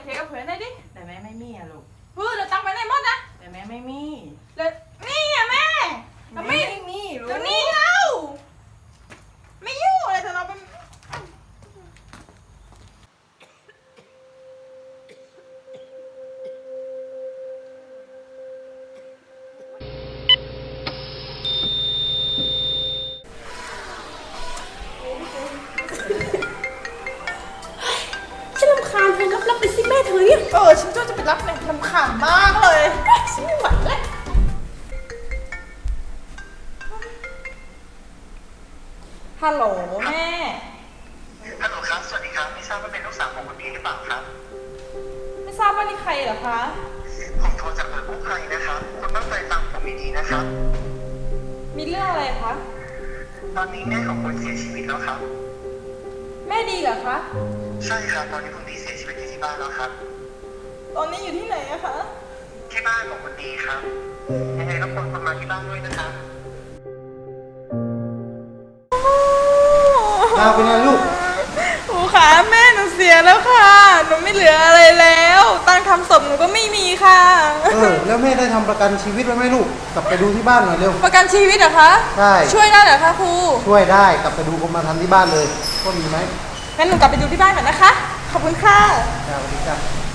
เคกับเพื่อนได้ดิแต่แม่ไม่มีอะลูกเดี๋ยวตังไปไหนหมดนะแต่แม่ไม่มีแล้วนี่อะแม่แล้วไม่ไม่มีลูกเดี๋ยวนี้เราไม่ยุ่งอะไรแต่เราเป็นฉันรำคาญเธอรับไปสิแม่เธอเนี่ยฉันก็จะไปรับเนี่ยรำคาญมากเลยฉันไม่ไหวแล้วฮัลโหลแม่ฮัลโหลครับ สวัสดีครับ ไม่ทราบว่าเป็นลูกสาวของคุณพี่หรือเปล่าครับไม่ทราบว่านี่ใครเหรอคะผมโทรจากหน่วยกู้ภัยนะครับ คุณตั้งใจฟังผมดีๆนะครับมีเรื่องอะไรคะตอนนี้แม่ของคุณเสียชีวิตแล้วครับแม่ดีเหรอคะใช่ครับ ตอนนี้คุณพี่เสียชีวิตอยู่ที่บ้านแล้วครับตอนนี้อยู่ที่ไหนอะคะที่บ้านของคุณดีครับ ยังไงรบกวนคุณมาที่บ้านด้วยนะครับดาวเป็นไงลูกครูคะแม่หนูเสียแล้วค่ะ หนูไม่เหลืออะไรแล้ว ตังค์ทำศพหนูก็ไม่มีค่ะแล้วแม่ได้ทำประกันชีวิตไว้ไหมลูก กลับไปดูที่บ้านหน่อยเร็วประกันชีวิตเหรอคะใช่ช่วยได้เหรอคะครูช่วยได้กลับไปดูกรมธรรม์ที่บ้านเลยว่ามีไหมงั้นหนูกลับไปดูที่บ้านก่อนนะคะ ขอบคุณค่ะสวัสดีครับ